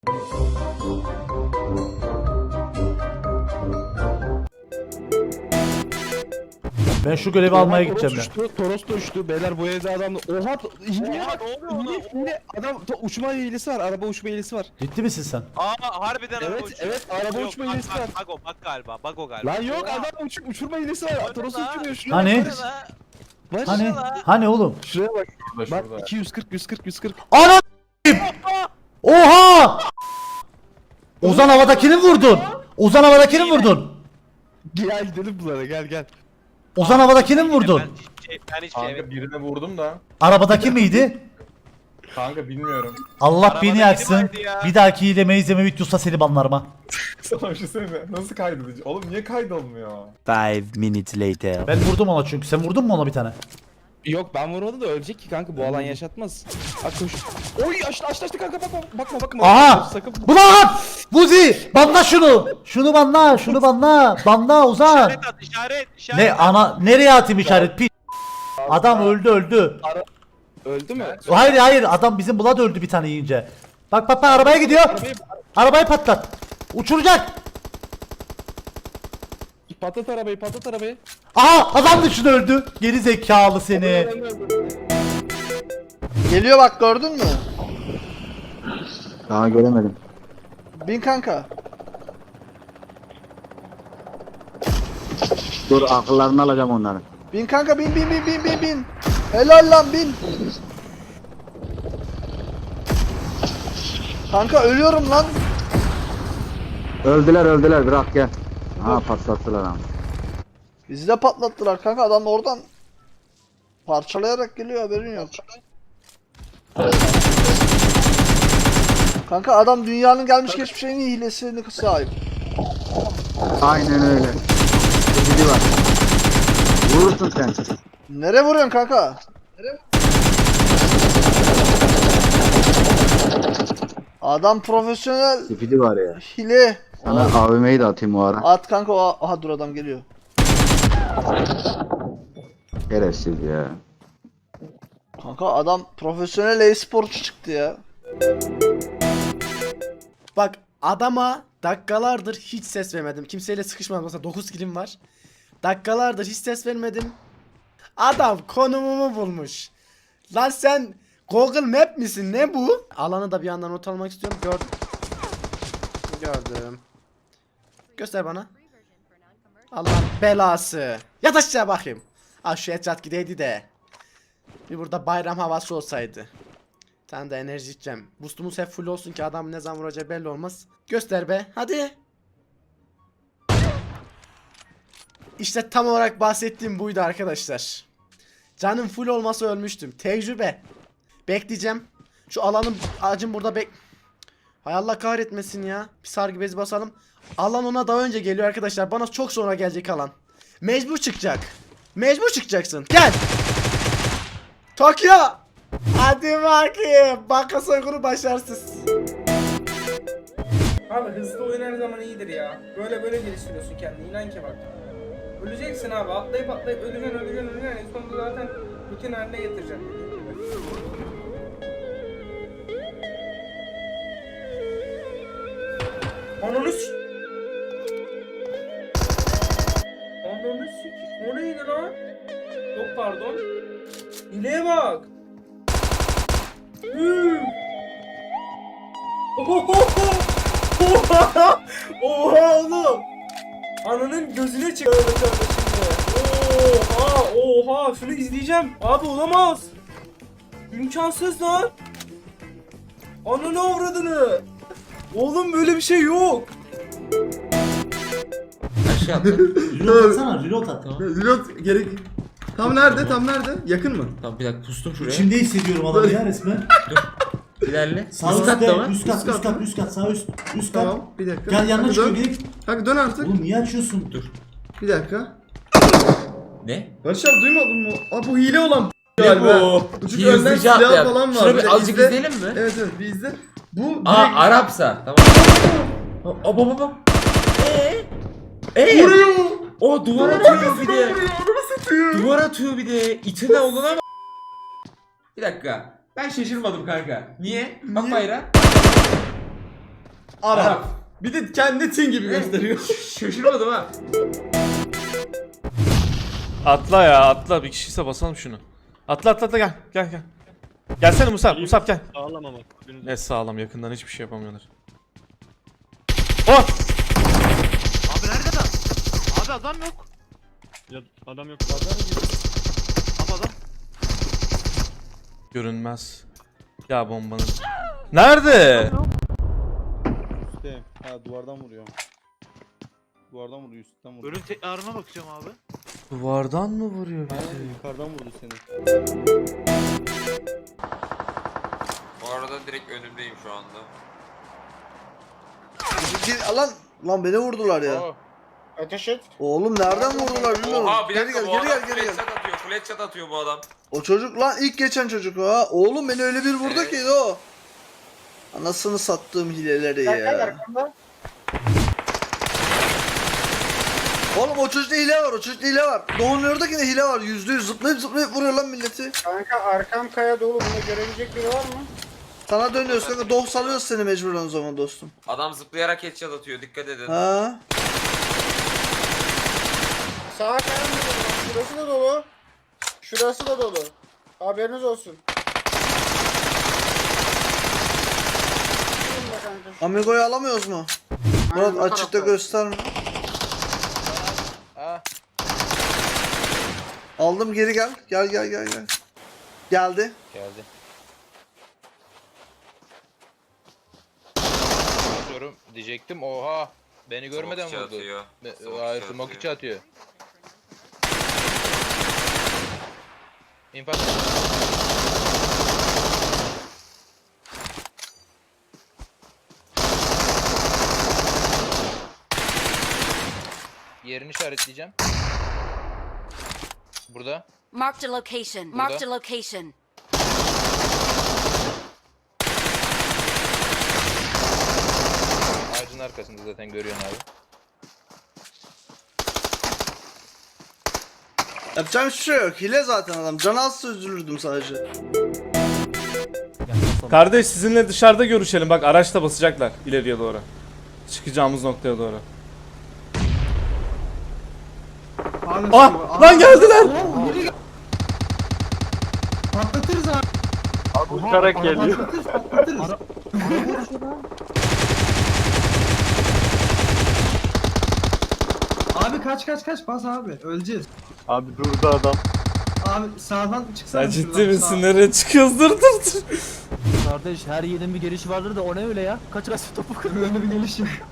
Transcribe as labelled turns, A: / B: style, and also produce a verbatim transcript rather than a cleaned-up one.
A: Ben şu görevi almaya gideceğim ben.
B: Uçtu, Toros da uçtu. Beyler bu evde adam... Oha! Hileye bak! Hile, hile. Adam to- uçma hilesi var. Araba uçma hilesi var.
A: Ciddi misin sen?
C: Aa harbiden
B: Evet,
C: araba uçuyor.
B: evet, araba
C: Yok,
B: uçma
C: bak,
B: hilesi
C: bak,
B: var.
C: Bak o bak galiba bak o galiba.
B: Lan yok adam uç uçurma hilesi var. Toros uçuruyor şuraya.
A: Hani?
B: bak. Var.
A: Hani? Hani oğlum?
B: Şuraya bak.
D: Şurada
B: Bak
D: şurada.
B: iki yüz kırk yüz kırk yüz kırk.
A: Ana Oha! Ozan havadakini vurdun. Ozan havadakini vurdun.
B: Gel gidelim bunlara gel gel.
A: Ozan havadakini mi vurdun?
C: Ben hiçbir şey, ben hiçbir şey
D: Kanka birine vurdum da.
A: Arabadaki miydi?
D: Kanka bilmiyorum.
A: Allah
C: Arabadaki
A: beni yaksın.
C: vardı ya.
A: Bir dahaki hileme izleme videosa seni banlarım ha.
D: Sana bir şey söyleyeyim mi? Nasıl kaydedici? Oğlum niye kaydolmuyor?
E: Five minutes later.
A: Ben vurdum ona çünkü. Sen vurdun mu ona bir tane?
B: Yok ben vurmadım da ölecek ki kanka bu alan yaşatmaz. Bak koş. Oy açtı açtı açtı kanka bakma bakma bakma.
A: Aha!
B: Sakın.
A: Ulan! Buzi! Banla şunu! Şunu banla! Şunu banla! Banla Ozan!
C: İşaret at işaret işaret.
A: Ne ana nereye atayım işaret pi? Adam öldü öldü.
B: Öldü mü?
A: Hayır hayır adam bizim Blood öldü bir tane yiyince. Bak bak bak arabaya gidiyor.
B: Arabayı
A: Arabayı patlat. Uçuracak.
B: patlat arabayı patlat arabayı.
A: Aha adam dışında öldü. Geri zekalı seni.
F: Geliyor bak gördün mü?
E: Daha göremedim.
F: Bin kanka.
E: Dur akıllarını alacağım onların.
F: Bin kanka bin bin bin bin bin bin. Helal lan bin. Kanka ölüyorum lan.
E: Öldüler öldüler bırak gel. Ha patlattılar ama.
F: Bizi de patlattılar kanka adam oradan parçalayarak geliyor haberin yok. Kanka adam dünyanın gelmiş geçmiş en iyi hilesine sahip.
E: Aynen öyle. Biri var. Vurursun sen.
F: Nereye vuruyorsun kanka? Adam profesyonel
E: Spidi var ya.
F: hile.
E: Sana A V M'yi de atayım o ara.
F: At kanka o aha dur adam geliyor.
E: Şerefsiz ya.
F: Kanka adam profesyonel e-sporcu çıktı ya.
G: Bak adama dakikalardır hiç ses vermedim. Kimseyle sıkışmadım. Mesela dokuz kilim var. Dakikalardır hiç ses vermedim. Adam konumumu bulmuş. Lan sen Google Map misin? Ne bu? Alanı da bir yandan not almak istiyorum. Gördüm. Gördüm. Göster bana. Allah'ın belası. Yat aşağı bakayım. Ah şu etraf gideydi de. Bir burada bayram havası olsaydı. Bir tane de enerji içeceğim. Boostumuz hep full olsun ki adam ne zaman vuracağı belli olmaz. Göster be. Hadi. İşte tam olarak bahsettiğim buydu arkadaşlar. Canım full olmasa ölmüştüm. Tecrübe. Bekleyeceğim. Şu alanın acım burada bek... Hay Allah kahretmesin ya. Bir sargı bezi basalım. Alan ona daha önce geliyor arkadaşlar. Bana çok sonra gelecek alan. Mecbur çıkacak. Mecbur çıkacaksın. Gel. Tokyo. Hadi bakayım. Banka soygunu başarısız.
H: Abi hızlı oyun her zaman iyidir ya. Böyle böyle geliştiriyorsun kendini. İnan ki bak. Öleceksin abi. Atlayıp atlayıp öleceksin öleceksin öleceksin. En sonunda zaten rutin haline getireceksin. Dediğim gibi. Ananı s***. Ananı s***. O neydi lan? Yok pardon. İleğe bak. Hımm. Oha! Oha oğlum! Ananın gözüne çıktı şimdi. Oha! Oha! Şunu izleyeceğim. Abi olamaz. İmkansız lan. Ananı avradını. Oğlum böyle bir şey yok.
I: Aşağı attı.
A: Reload atsana reload at.
B: Reload gerek. Tam nerede? Tam nerede? Yakın mı?
I: Tamam bir dakika pustum şuraya.
A: İçimde hissediyorum adamı ya resmen.
I: İlerle.
A: Sağ
I: Üst katta
A: üstte,
I: var.
A: üst kat,
B: Üst
A: üst
B: kat
A: kat, üst kat, sağ üst, üst kat.
B: Tamam. Bir dakika.
A: Gel yanına
B: Hadi
A: çıkıyor
B: dön.
A: direkt.
B: Kanka dön artık.
A: Oğlum niye açıyorsun?
I: Dur.
B: Bir dakika.
I: Ne?
B: Barış abi duymadın mı? Aa bu hile olan
I: Ne
B: galiba.
I: bu?
B: Çünkü
I: İyi,
B: önden
I: hızlıca
B: silah
I: atlayalım.
B: falan var.
I: Şunu bir
B: Bir de
I: azıcık
B: izle.
I: izleyelim mi?
B: Evet evet bir izle. Bu
I: Aa
B: direkt
I: Arapsa. Tamam. Aa baba baba. Eee? Eee?
B: vuruyor.
I: O duvar atıyor bir de. Duvar atıyor bir de. İçine olana bak. Bir dakika. Ben şaşırmadım kanka. Niye? Bak bayrağı.
G: Arap.
I: Bir de kendi tin gibi gösteriyor. Şaşırmadım ha.
J: Atla ya atla, bir kişiyse basalım şunu. Atla atla atla, gel gel gel. Gelsene Musab, Musab gel.
C: Sağlam ama.
J: Ne sağlam, yakından hiçbir şey yapamıyorlar. Oh!
C: Abi nerede adam? Abi adam yok. Ya adam yok. Adam yok. Abi adam.
J: Görünmez. Ya bombanın. Nerede?
B: Üstte. Ha duvardan vuruyor. Duvardan vuruyor, üstten vuruyor.
C: Ölüm tekrarına bakacağım abi.
J: Duvardan mı vuruyor
B: Ha,
J: bizi?
B: yukarıdan vurdu seni.
C: Bu arada direkt önümdeyim şu anda.
F: Gir- Lan lan beni vurdular ya.
H: Ateş et.
F: Oğlum nereden vurdular bilmiyorum.
C: Oha bir
F: Geri
C: dakika
F: gel
C: bu
F: geri
C: adam
F: gel geri gel.
C: flat shot atıyor. Flat shot atıyor bu adam.
F: O çocuk lan ilk geçen çocuk o ha. Oğlum beni öyle bir vurdu
C: Evet.
F: ki o. Anasını sattığım hileleri ya. Oğlum o çocukta hile var, o çocukta hile var. Doğu'nun oradaki de hile var. Yüzde yüz zıplayıp zıplayıp vuruyor lan milleti.
H: Kanka arkam kaya dolu. Bunu görebilecek biri var mı?
F: Sana dönüyoruz kanka. Doğu salıyoruz seni mecburen o zaman dostum.
C: Adam zıplayarak headshot atıyor. Dikkat edin.
F: Ha?
H: Sağa kaya mı dolu? Şurası da dolu. Şurası da dolu. Haberiniz olsun.
F: Amigo'yu alamıyoruz mu? Murat açıkta gösterme. Aldım geri gel. Gel gel gel gel. Geldi.
C: Geldi. Atıyorum diyecektim. Oha. Beni görmeden vurdu. Atıyor. Be- Hayır, smoke içi atıyor. İnfaz. Yerini işaretleyeceğim. Burada.
K: Marked a location. Marked a location.
C: Ağacın arkasında zaten görüyorsun abi.
F: Yapacağım hiçbir şey yok. Hile zaten adam. Can alsa üzülürdüm sadece.
J: Kardeş sizinle dışarıda görüşelim, bak araçta basacaklar ileriye doğru. Çıkacağımız noktaya doğru. Ah! Lan geldiler!
A: Patlatırız abi.
C: Uçarak geliyor.
A: Patlatırız. Abi kaç kaç kaç bas abi öleceğiz.
B: Abi durdu adam.
A: Abi sağdan çıksana.
J: Sen ciddi
A: şuradan,
J: misin?
A: sağ.
J: Nereye çıkıyoruz? Dur dur dur.
A: Kardeş her yerin bir gelişi vardır da o ne öyle ya? Kaç kaç topu kırıyor öyle bir geliş yok.